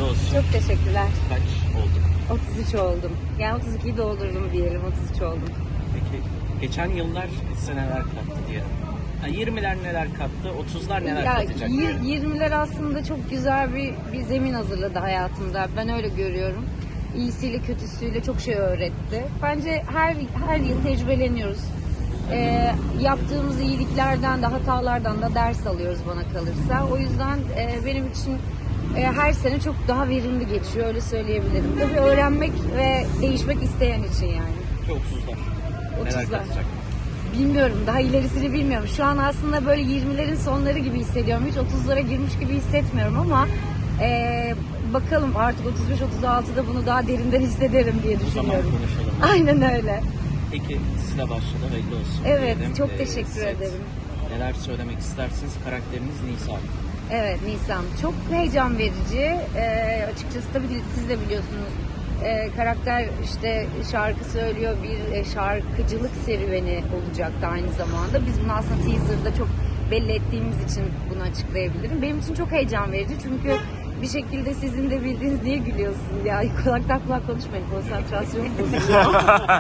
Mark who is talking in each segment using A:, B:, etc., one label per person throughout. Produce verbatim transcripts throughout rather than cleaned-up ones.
A: hayırlı olsun.
B: Çok teşekkürler.
A: Kaç olduk?
B: otuz üç oldum. Yani otuz ikiyi doldurdum diyelim, otuz üç oldum.
A: Peki geçen yıllar size neler kattı diyelim. Ha, yirmiler neler kattı, otuzlar neler
B: Ya
A: katacak
B: y-
A: diyelim.
B: yirmiler aslında çok güzel bir, bir zemin hazırladı hayatımda. Ben öyle görüyorum. İyisiyle kötüsüyle çok şey öğretti. Bence her her yıl tecrübeleniyoruz. Ee, yaptığımız iyiliklerden de hatalardan da ders alıyoruz bana kalırsa. O yüzden e, benim için e, her sene çok daha verimli geçiyor, öyle söyleyebilirim. Tabii öğrenmek ve değişmek isteyen için yani.
A: Peki otuzlar neler
B: otuzlar.
A: katacak?
B: Bilmiyorum, daha ilerisini bilmiyorum. Şu an aslında böyle yirmilerin sonları gibi hissediyorum. Hiç otuzlara girmiş gibi hissetmiyorum ama e, bakalım artık otuz beş otuz altıda bunu daha derinden hissederim diye
A: O zaman
B: düşünüyorum.
A: konuşalım.
B: Aynen öyle.
A: Peki sizle başladı, hayırlı olsun.
B: Evet,
A: diyelim.
B: çok
A: Ee,
B: teşekkür
A: set.
B: ederim.
A: Neler söylemek istersiniz? Karakteriniz Nisa.
B: Evet, Nisan. Çok heyecan verici. Ee, açıkçası tabii siz de biliyorsunuz. Ee, karakter işte şarkı söylüyor, bir e, şarkıcılık serüveni olacaktı aynı zamanda. Biz bunu aslında teaser'da çok belli ettiğimiz için bunu açıklayabilirim. Benim için çok heyecan verici çünkü bir şekilde sizin de bildiğiniz niye gülüyorsunuz ya? Kulaktan kulağa konuşmayın, konsantrasyonum bozuluyor.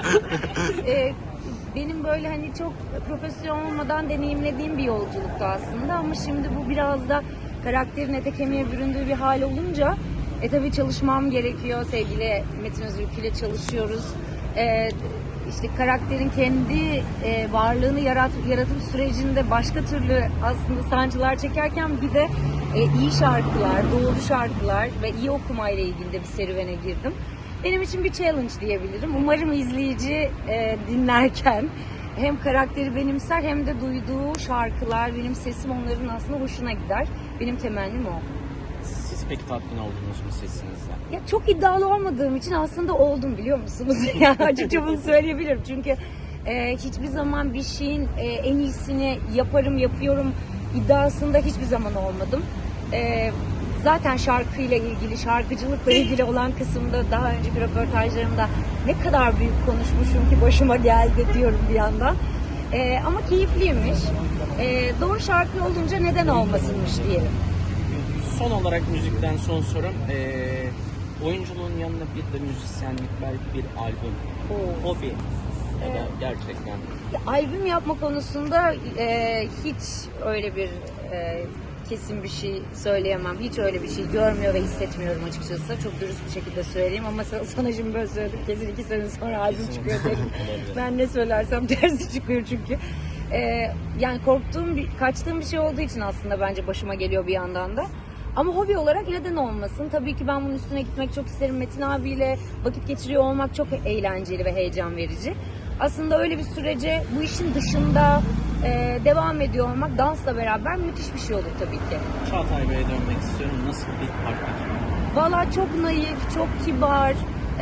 B: Ee, benim böyle hani çok profesyonel olmadan deneyimlediğim bir yolculuktu aslında ama şimdi bu biraz da karakterin ete kemiğe büründüğü bir hal olunca e tabii çalışmam gerekiyor. Sevgili Metin Özürk ile çalışıyoruz. E, işte karakterin kendi e, varlığını yarat, yaratım sürecinde başka türlü aslında sancılar çekerken bir de e, iyi şarkılar, doğru şarkılar ve iyi okumayla ilgili de bir serüvene girdim. Benim için bir challenge diyebilirim. Umarım izleyici e, dinlerken hem karakteri benimser hem de duyduğu şarkılar, benim sesim onların aslında hoşuna gider. Benim temennim o.
A: Siz peki tatmin oldunuz mu sesinizden?
B: Ya çok iddialı olmadığım için aslında oldum, biliyor musunuz? Ya açıkça bunu söyleyebilirim. Çünkü e, hiçbir zaman bir şeyin e, en iyisini yaparım, yapıyorum iddiasında hiçbir zaman olmadım. E, zaten şarkıyla ilgili, şarkıcılıkla ilgili olan kısımda daha önceki röportajlarımda ne kadar büyük konuşmuşum ki başıma geldi diyorum bir yandan. E, ama keyifliymiş. E, doğru şarkı olunca neden olmasınmış diyelim.
A: Son olarak müzikten son sorum. Ee, oyunculuğun yanında bir de müzisyenlik, belki bir albüm,
B: Oo.
A: hobi ya da gerçekten.
B: Ya, albüm yapma konusunda e, hiç öyle bir e, kesin bir şey söyleyemem. Hiç öyle bir şey görmüyor ve hissetmiyorum açıkçası. Çok dürüst bir şekilde söyleyeyim ama sana, sana şimdi böyle söyledim. Kesin iki sene sonra albüm
A: Kesin.
B: çıkıyor derim.
A: Olabilir.
B: Ben ne söylersem tersi çıkıyor çünkü. E, yani korktuğum, bir, kaçtığım bir şey olduğu için aslında bence başıma geliyor bir yandan da. Ama hobi olarak neden olmasın? Tabii ki ben bunun üstüne gitmek çok isterim. Metin abiyle vakit geçiriyor olmak çok eğlenceli ve heyecan verici. Aslında öyle bir sürece bu işin dışında e, devam ediyor olmak dansla beraber müthiş bir şey olur tabii ki.
A: Çağatay Bey'e dönmek istiyorum. Nasıl bir partner?
B: Valla çok naif, çok kibar,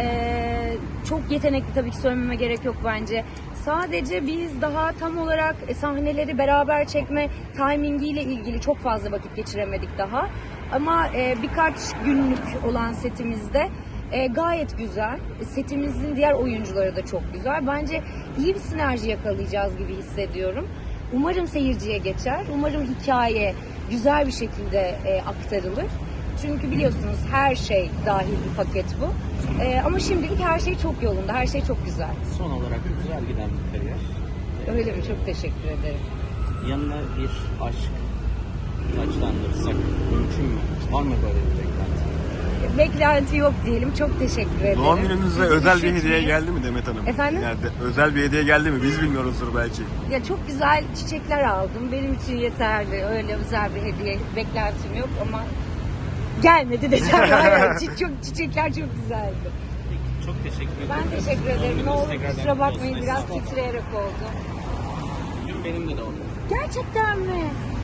B: e, çok yetenekli, tabii ki söylememe gerek yok bence. Sadece biz daha tam olarak sahneleri beraber çekme timingiyle ilgili çok fazla vakit geçiremedik daha. Ama e, birkaç günlük olan setimizde e, gayet güzel. Setimizin diğer oyuncuları da çok güzel. Bence iyi bir sinerji yakalayacağız gibi hissediyorum. Umarım seyirciye geçer. Umarım hikaye güzel bir şekilde e, aktarılır. Çünkü biliyorsunuz her şey dahil bir paket bu. E, ama şimdilik her şey çok yolunda, her şey çok güzel.
A: Son olarak güzel giden bir kariyer.
B: Öyle mi? Çok teşekkür ederim.
A: Yanına bir aşk taçlandırırsak mümkün mü? Var mı böyle bir beklenti?
B: Beklenti yok diyelim. Çok teşekkür ederim.
C: Doğum gününüzde
B: Bizi
C: özel bir
B: üşütmeyin.
C: hediye geldi mi Demet Hanım?
B: Efendim?
C: Yani de- özel bir hediye geldi mi? Biz bilmiyoruzdur belki.
B: Ya çok güzel çiçekler aldım. Benim için yeterli. Öyle özel bir hediye beklentim yok ama gelmedi desem. Evet, çi- çok çiçekler çok güzeldi.
A: Peki, çok teşekkür ederim.
B: Ben teşekkür ederim.
A: Doğum
B: Ne
A: gününüz
B: olur
A: tekrardan
B: kusura
A: kutlu olsun.
B: bakmayın, biraz
A: Estağfurullah.
B: titreyerek oldu.
A: Bugün benim de doğum günüm.
B: Gerçekten mi?